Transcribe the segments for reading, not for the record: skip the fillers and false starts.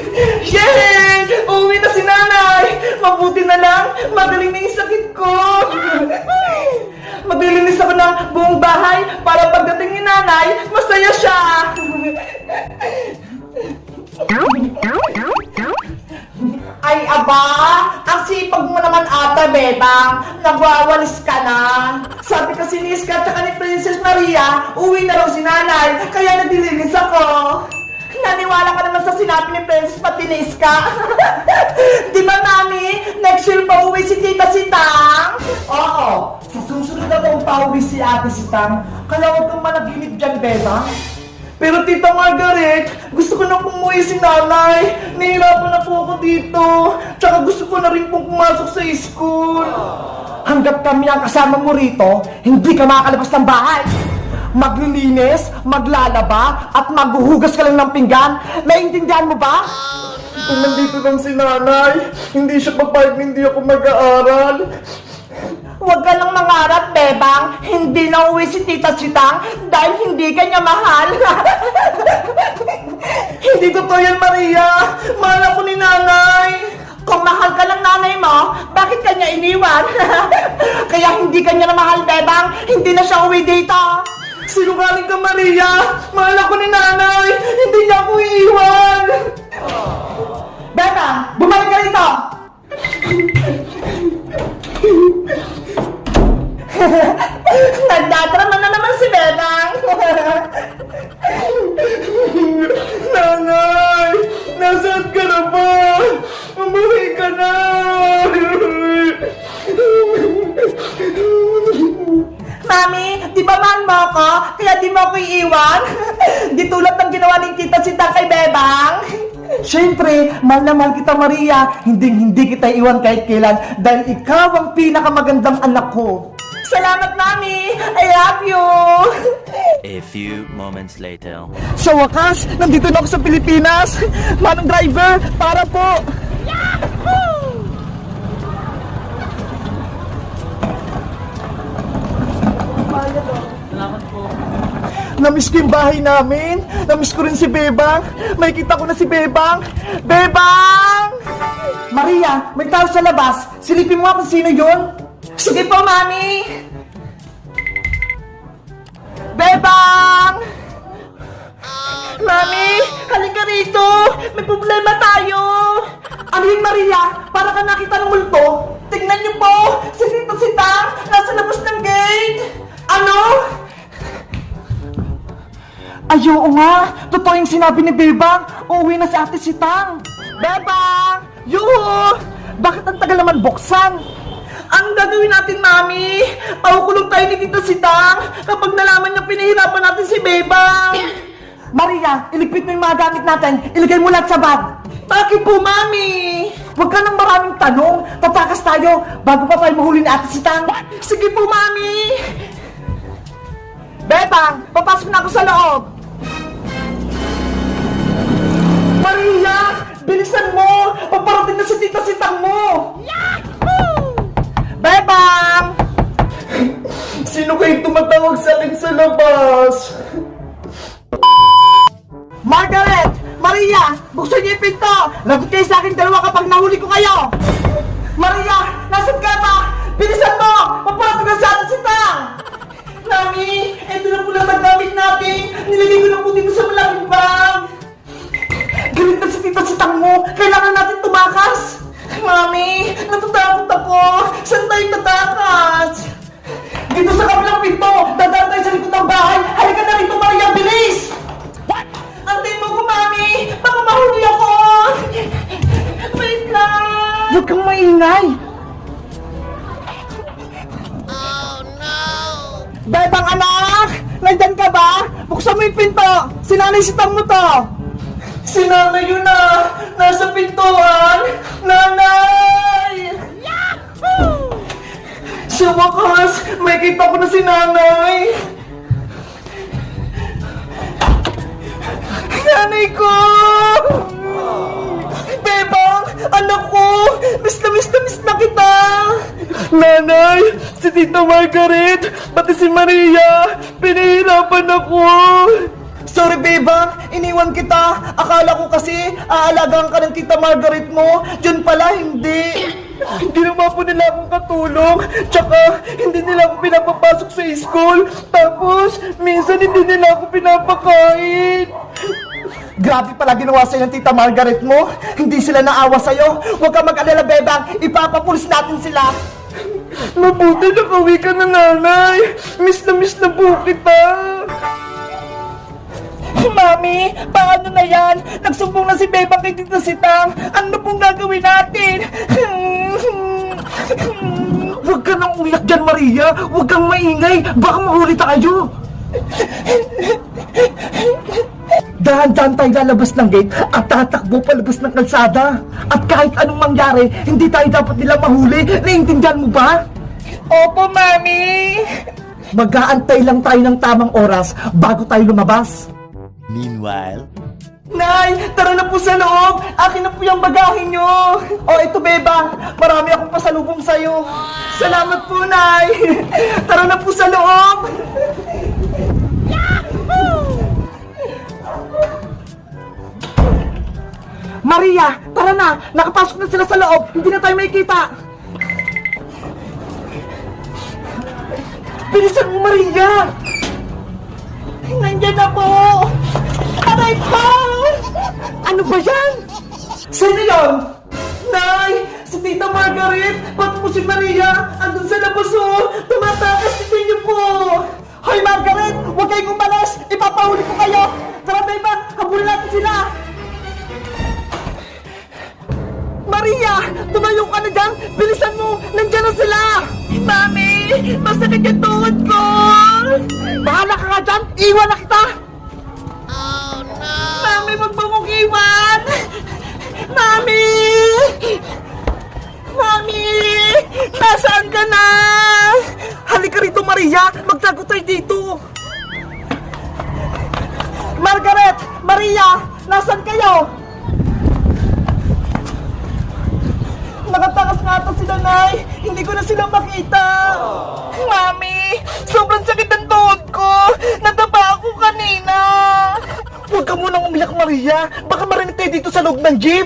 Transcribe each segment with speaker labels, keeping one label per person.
Speaker 1: Yay! Uuwi na si nanay! Mabuti na lang, magaling na yung sakit ko! Maglilinis ako ng buong bahay para pagdating ni nanay, masaya siya! Ay, aba! Ang sipag mo naman ata, Bebang! Nagwawalis ka na! Sabi kasi ni Iska at ni Princess Maria, uwi na raw si nanay, kaya naglilinis ako! Naniwala ka naman sa sinabi ni Princess pati ni Iska? Di ba, Mami? Next year pa uwi si Tita Sitang? Oo, sa susunod na taong pauwi si Ate Sitang, kaya huwag kang managinip dyan, Bebang! Pero Tita Margaret, gusto ko na pumuwi si nanay. Nahihirapan na po ako dito. Tsaka gusto ko na rin pong pumasok sa school. Hanggat kami ang kasama mo rito, hindi ka makakalabas ng bahay. Maglilinis, maglalaba, at maghuhugas ka lang ng pinggan. Naiintindihan mo ba? Kung nandito lang si nanay, hindi siya papayag na hindi ako mag-aaral. Huwag ka lang mangarap, Bebang. Hindi na uwi si Tita Sitang dahil hindi ka niya mahal. Hindi totoo yan, Maria. Mahal ako ni nanay. Kung mahal ka lang nanay mo, bakit ka niya iniwan? Kaya hindi ka niya na mahal, Bebang. Hindi na siya uwi dito. Sinungaling ka, Maria. Mahal ako ni nanay. Hindi niya ako iiwan. Bebang, bumalik ka rito. Nagdadrama na naman si Bebang. Nanay, nasaan ka na ba? Umuwi ka na. Mami, di ba mahal mo ako? Kaya di mo ako iiwan? Di tulad ng ginawa ni Tita Sitang kay Bebang. Siyempre, mahal na mahal kita, Maria. Hindi kita iwan kahit kailan dahil ikaw ang pinakamagandang anak ko. Salamat, Mami! I love you!
Speaker 2: A few moments later.
Speaker 1: Sa wakas, nandito na ako sa Pilipinas! Manong driver, para po! Yahoo!
Speaker 3: Salamat po.
Speaker 1: Namiss ko yung bahay namin. Namiss ko rin si Bebang. May kita ko na si Bebang. Bebang! Maria, may tao sa labas. Silipin mo nga kung sino yun. Sige po, Mami. Bebang! Mami, halika rito. May problema tayo. Ano yun, Maria? Para ka nakita ng multo. Tingnan niyo po. Si Tita Sitang nasa labas ng gate. Ano? Ayaw nga! Totoo yung sinabi ni Bebang! Uuwi na si Ate Sitang! Bebang! Yuhu! Bakit ang tagal naman buksan? Ang gagawin natin, Mami? Pakukulong tayo ni Tita Sitang kapag nalaman niya pinahirapan natin si Bebang! Maria, iligpit mo yung mga gamit natin. Ilagay mo lahat sa bag. Bakit po, Mami? Huwag ka nang maraming tanong. Tatakas tayo bago pa tayo mahuli ni Ate Sitang. Sige po, Mami! Bebang, papasok na ako sa loob. Maria, bilisan mo! Paparating na si Tita Sitang mo! Yahoo! Bebang! Sino kayong tumatawag sa akin sa labas? Margaret! Maria! Buksan niyo yung pinto! Lagot kayo sa akin dalawa kapag nahuli ko kayo! Maria! Nasaan ka ba? Bilisan mo! Paparating na si Ate Sitang! Mami, ito na po lang ang gamit natin. Nilagay ko na po dito sa malaking bag. Galit na si Tita Sitang mo. Kailangan natin tumakas. Mami, natatakot ako. Saan tayo tatakas? Dito sa kabilang pinto. Dadaan tayo sa likod ng bahay. Halika na rito, Maria. Bilis! What? Antayin mo ko, Mami. Baka mahuli ako. Wait lang. Huwag kang maingay. Bebang anak! Nandyan ka ba? Buksan mo yung pinto! Si Nanay Sitang mo to! Si Nanay yun na! Nasa pintuan! Nanay! Yahoo! Sa wakas, may kita ko na si Nanay! Nanay ko! Bebang! Anak ko! Miss na kita! Nanay! Si Tita Margaret! Pati si Maria! Pinahirapan ako! Sorry, Bebang. Iniwan kita. Akala ko kasi aalagaan ka ng Tita Margaret mo. Yun pala, hindi. Hindi naman po nila akong katulong. Tsaka, hindi nila ako pinapapasok sa school. Tapos, minsan hindi nila ako pinapakain. Grabe pala ginawa sa'yo ng Tita Margaret mo. Hindi sila naawa sa'yo. Huwag ka mag-alala, Bebang. Ipapapulis natin sila. Mabuti nakauwi ka na, nanay. Miss na po kita. Mami, paano na yan? Nagsumbong na si Bebang kay Tita Sitang. Ano pong gagawin natin? Huwag ka nang umiyak dyan, Maria. Huwag kang maingay. Baka mahuli tayo. Dahan-dahan tayo lalabas ng gate at tatakbo palabas ng kalsada. At kahit anong mangyari, hindi tayo dapat nilang mahuli. Naiintindihan mo ba? Opo, Mami. Mag-aantay lang tayo ng tamang oras bago tayo lumabas.
Speaker 2: Meanwhile,
Speaker 1: Nay, tara na po sa loob. Akin na po yung bagahe nyo. O, ito, Bebang. Marami akong pasalubong sa'yo. Salamat po, Nay. Tara na po sa loob. Maria, tara na. Nakapasok na sila sa loob. Hindi na tayo makikita. Bilisan mo, Maria. Nandiyan na po. Aray po. Ano ba yan? Sino yun? Nay, si Tita Margaret. Pati po si Maria. Andun sa labas, oh. Tumatakas si niyo po. Hoy, Margaret. Huwag kayong umalas. Ipapahuli ko kayo. Tara, Beba. Habulin natin sila. Maria! Tumayo ka na dyan! Bilisan mo! Nandiyan na sila! Mami! Masakit yung tuhod ko! Bahala ka nga dyan! Iwan na kita! Oh no! Mami, wag mo kong iwan! Mami! Mami! Nasaan ka na? Halika rito, Maria! Magtago tayo dito! Margaret! Maria! Nasaan kayo? Nakatakas nga ito sila, Nay. Hindi ko na sila makita. Mami, sobrang sakit ng tuhod ko. Natapa ako kanina. Huwag ka munang umiyak, Maria. Baka marinig tayo dito sa loob ng jeep.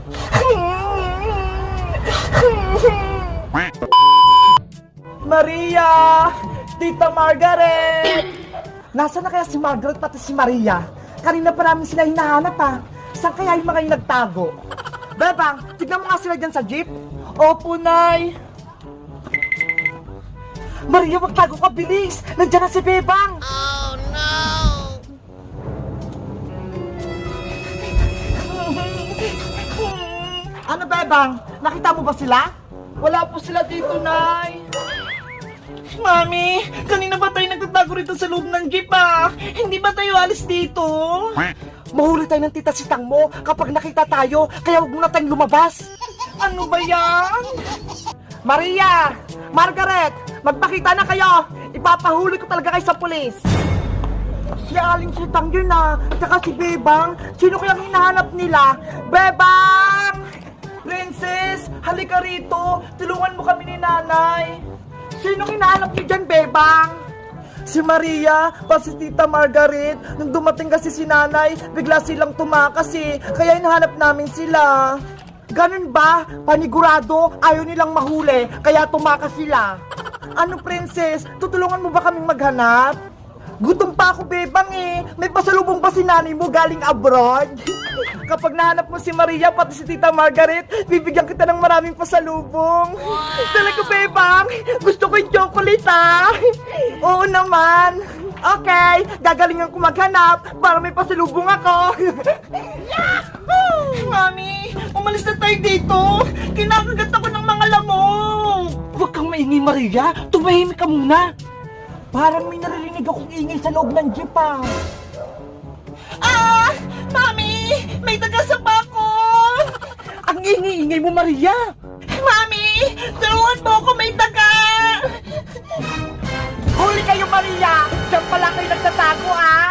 Speaker 1: Maria! Tita Margaret! Nasaan na kaya si Margaret pati si Maria? Kanina pa namin sila hinahanap, ha? Saan kaya yung mga yung nagtago? Bebang, tignan mo nga sila dyan sa jeep. Opo, Nay. Maria, magtago ka, bilis. Nandiyan na si Bebang. Oh, no. Ano, Bebang? Nakita mo ba sila? Wala po sila dito, Nay. Mami, kanina ba tayo nagtatago rito sa loob ng jeep, ah? Hindi ba tayo alis dito? Mahuli tayo ng Tita Sitang mo kapag nakita tayo, kaya huwag muna tayong lumabas. Ano ba yan? Maria! Margaret! Magpakita na kayo! Ipapahuli ko talaga kayo sa pulis. Si Aling Sitang yun, ah. Tsaka si Bebang. Sino kayang hinahanap nila? Bebang! Princess! Halika rito! Tulungan mo kami ni Nanay. Sino hinahanap niyo dyan, Bebang? Si Maria, pa si Tita Margaret. Nung dumating kasi si Nanay, bigla silang tumakas eh. Kaya hinahanap namin sila. Ganun ba? Panigurado, ayaw nilang mahuli. Kaya tumakas sila. Ano, Princess? Tutulungan mo ba kaming maghanap? Gutom pa ako, Bebang eh. May pasalubong ba si nanay mo galing abroad? Kapag nahanap mo si Maria pati si Tita Margaret, bibigyan kita ng maraming pasalubong. Talaga, Bebang? Gusto ko yung chocolate, ah. Oo naman. Okay, gagalingan ko maghanap para may pasalubong ako. Mami, umalis na tayo dito. Kinakagat ako ng mga lamok. Huwag kang maingay, Maria. Tumahimik ka muna. Parang may naririnig akong ingay sa loob ng jeep, ah. Ah! Mami! May taga-sapa ko! Ang ingay-ingay mo, Maria! Mami! Tulungan mo ako, may taga! Huli kayo, Maria! Diyan pala kayo nagtatago, ah!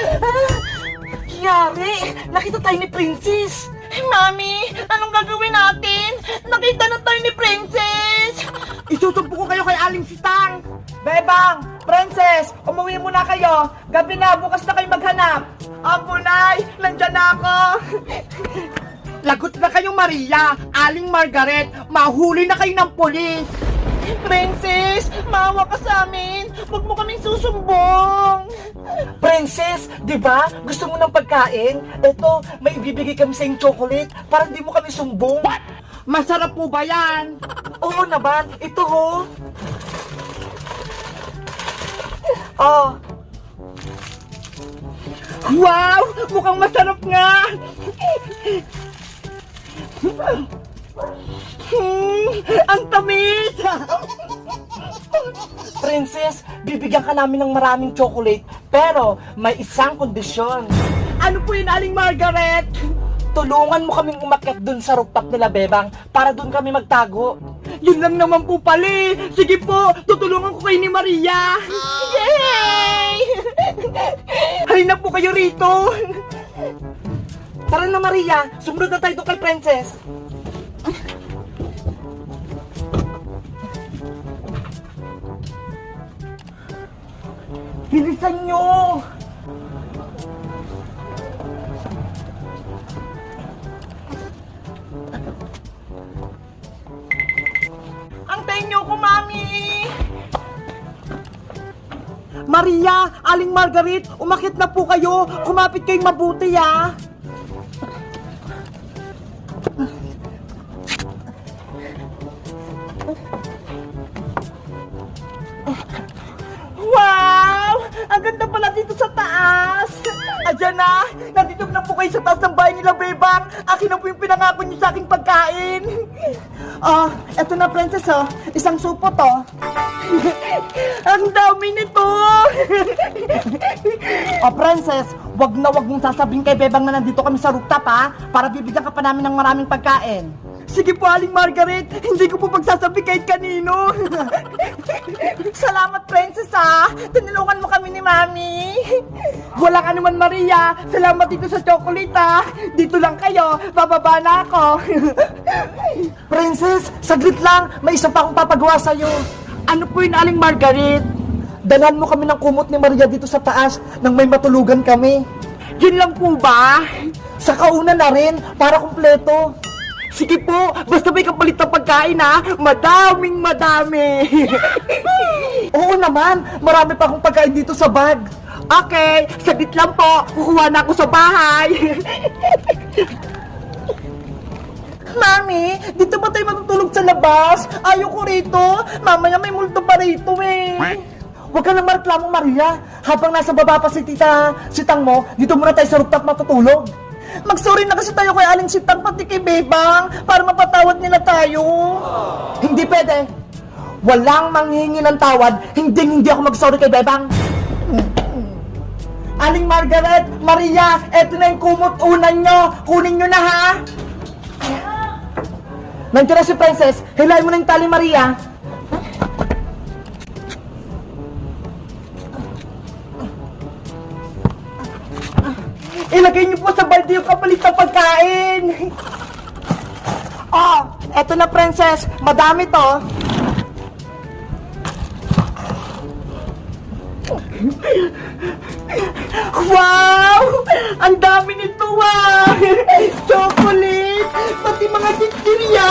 Speaker 1: Yari! Nakita tayo ni Princess! Mami! Anong gagawin natin? Nakita na tayo ni Princess! Isusumpo ko kayo kay Aling Sitang! Bebang! Princess! Umuwi muna kayo! Gabi na, bukas na kayo maghanap! Apo, Nay! Nandyan na ako! Lagot na kayo, Maria! Aling Margaret! Mahuli na kayo ng pulis! Princess! Maawa ka sa amin! Huwag mo kaming susumbong! Princess! Di ba? Gusto mo ng pagkain? Eto, may ibibigay kami sa yung chocolate para hindi mo kami sumbong. What? Masarap po ba yan? Oo naman! Ito ho! Oh. Wow! Mukhang masarap nga! Ang tamis! Princess, bibigyan ka namin ng maraming chocolate, pero may isang kondisyon. Ano po yun, Aling Margaret? Tulungan mo kaming umakyat dun sa rooftop nila, Bebang, para dun kami magtago. Yun lang naman po pali. Sige po, tutulungan ko kayo ni Maria. Yay! Halina po kayo rito. Tara na, Maria. Sumunod na tayo doon kay Princess. Bilisan nyo! Antayin nyo ko, Mami! Maria, Aling Margaret, umakit na po kayo. Kumapit kayong mabuti, ha? Wow! Ang ganda pala dito sa taas! Ayan na! Nandito na po kayo sa taas ng bahay nila, Bebang! Akin na po yung pinangako niyo sa aking pagkain! Oh, eto na, Princess, oh. Isang supo to. Ang dami nito! Oh, Princess, wag mong sasabihin kay Bebang na nandito kami sa rooftop, ha? Para bibigyan ka pa namin ng maraming pagkain. Sige po, Aling Margaret. Hindi ko po pagsasabi kahit kanino. Salamat, Princess, ha. Tinulungan mo kami ni Mami. Walang anuman, Maria. Salamat dito sa chocolate, ha. Dito lang kayo. Bababa na ako. Princess, saglit lang. May isa pa akong papagawa sa'yo. Ano po yun, Aling Margaret? Dalhan mo kami ng kumot ni Maria dito sa taas nang may matulugan kami. Yun lang po ba? Sa kauna na rin, para kumpleto. Sige po, basta may kapalit na pagkain, ha? Madami. Oo naman, marami pa akong pagkain dito sa bag. Okay, saglit lang po, kukuha na ako sa bahay. Mami, dito ba tayo matutulog sa labas? Ayoko rito, mamaya may multo pa rito eh. Huwag ka nang mareklamo, Maria. Habang nasa baba pa si Sitang mo, dito muna tayo sa rooftop matutulog. Mag-sorry na kasi tayo kay Aling Sitang pati kay Bebang para mapatawad nila tayo. Hindi pwede. Walang manghihingi ng tawad, hindi ako mag-sorry kay Bebang. Aling Margaret, Maria, eto na yung kumot unan nyo. Kunin nyo na, ha? Nandiyan na si Princess. Hilahin mo na yung tali, Maria. Ilagay niyo po sa balde yung kapalit ng pagkain. Oh, eto na, Princess. Madami to. Wow! Ang dami nito, ah! Chocolate! Pati mga chichirya!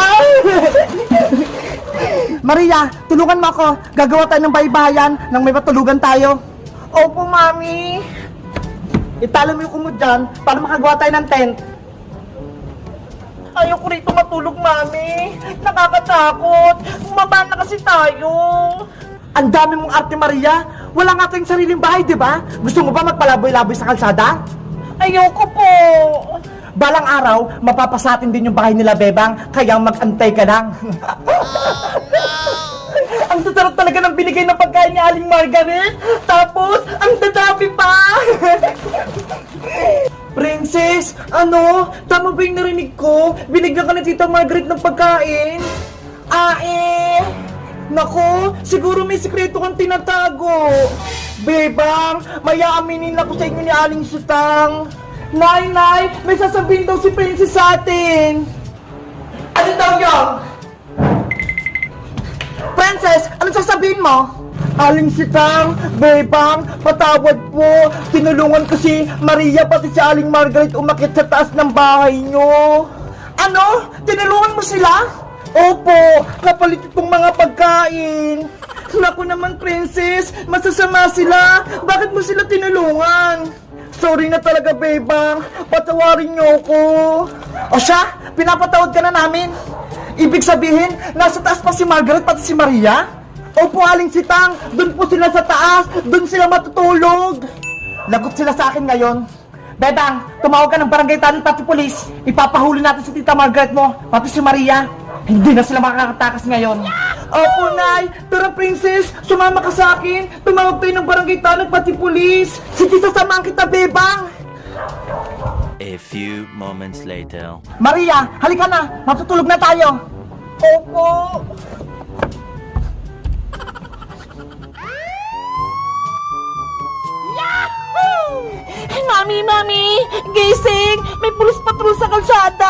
Speaker 1: Maria, tulungan mo ako. Gagawa tayo ng baybayan nang may matulugan tayo. Opo, Mami. Italo mo yung kumod dyan para makagawa tayo ng tent. Ayoko rito matulog, Mami. Nakakatakot. Bumaba na kasi tayo. Ang dami mong arte, Maria. Wala nga tayong sariling bahay, di ba? Gusto mo ba magpalaboy-laboy sa kalsada? Ayoko po. Balang araw, mapapasatin din yung bahay nila, Bebang. Kaya mag-antay ka lang. Ang sarap talaga ng binigay ng pagkain ni Aling Margaret. Tapos, ang dadami pa. Princess, ano? Tama ba yung narinig ko? Binigyan ka ni Tita Margaret ng pagkain? Nako, siguro may sikreto kang tinatago. Bebang, may aaminin ako sa inyo ni Aling Sitang. Nay, may sasabihin daw si Princess sa atin. Ano daw yun? Princess, anong sasabihin mo? Aling Sitang, Bebang, patawad po. Tinulungan ko si Maria pati si Aling Margaret umakyat sa taas ng bahay nyo. Ano? Tinulungan mo sila? Opo, kapalit itong mga pagkain. Naku naman, Princess, masasama sila. Bakit mo sila tinulungan? Sorry na talaga, Bebang. Patawarin niyo ako. O siya, pinapatawad ka na namin. Ibig sabihin, nasa taas pa si Margaret pati si Maria? Opo, Aling Sitang, doon po sila sa taas. Doon sila matutulog. Lagot sila sa akin ngayon. Bebang, tumawag ka ng barangay tanong pati pulis. Ipapahuli natin si Tita Margaret mo, pati si Maria. Hindi na sila makakatakas ngayon. Opo, Nay. Tara, Princess. Sumama ka sa akin. Tumawag tayo ng barangay tanong pati pulis. Sige, sasamahan kita, Bebang.
Speaker 2: A few moments later.
Speaker 1: Maria, halika na. Matutulog na tayo. Opo. Mami! Gising! May pulis patrol sa kalsada!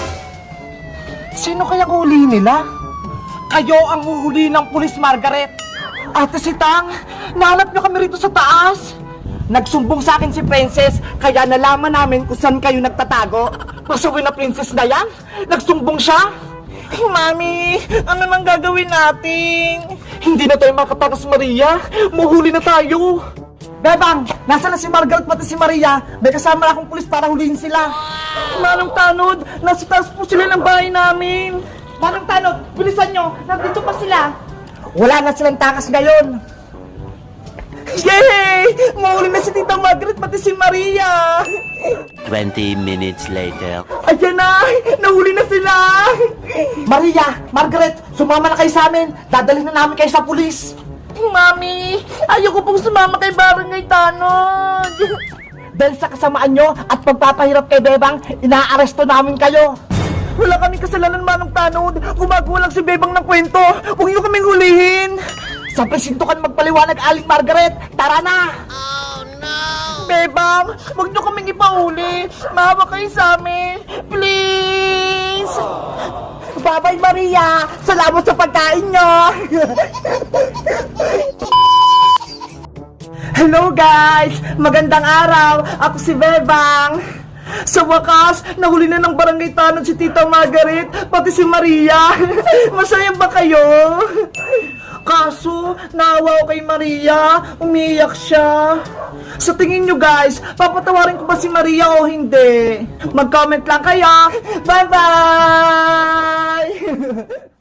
Speaker 1: Sino kaya huli nila? Kayo ang uhuli ng pulis, Margaret! Ate Sitang, nahanap niyo kami rito sa taas! Nagsumbong sa akin si Princess, kaya nalaman namin kung saan kayo nagtatago. Pasuwi na Princess na yan? Nagsumbong siya? Mami, ano nang gagawin natin? Hindi na tayo makatakas, Maria. Muhuli na tayo. Bebang, nasa na si Margaret pati si Maria? May kasama na akong pulis para hulihin sila. Manong Tanod, nasa taas po sila ng bahay namin. Manong Tanod, bilisan nyo, nandito pa sila. Wala na silang takas ngayon. Yay! Mahuli na si Tita Margaret pati si Maria.
Speaker 2: 20 minutes later.
Speaker 1: Ayan na! Nahuli na sila! Maria, Margaret, sumama na kayo sa amin. Dadalhin na namin kayo sa pulis. Mami, ayoko pong sumama kay Barangay Tanod. Dahil sa kasamaan nyo at pagpapahirap kay Bebang, inaaresto namin kayo. Wala kaming kasalanan, Manong Tanod. Gumagawa lang si Bebang ng kwento. Huwag nyo kaming hulihin. Sa presinto ka magpaliwanag, Aling Margaret. Tara na! Oh, no! Bebang, huwag nyo kaming ipahuli. Maawa kayo sa amin. Please! Bye-bye, Maria! Salamat sa pagkain nyo! Hello, guys! Magandang araw! Ako si Bebang! Sa wakas, nahuli na ng barangay tanod si Tita Margaret, pati si Maria. Masaya ba kayo? Kaso, naawa ko kay Maria, umiiyak siya. Sa tingin nyo guys, papatawarin ko ba si Maria o hindi? Mag-comment lang kayo. Bye-bye!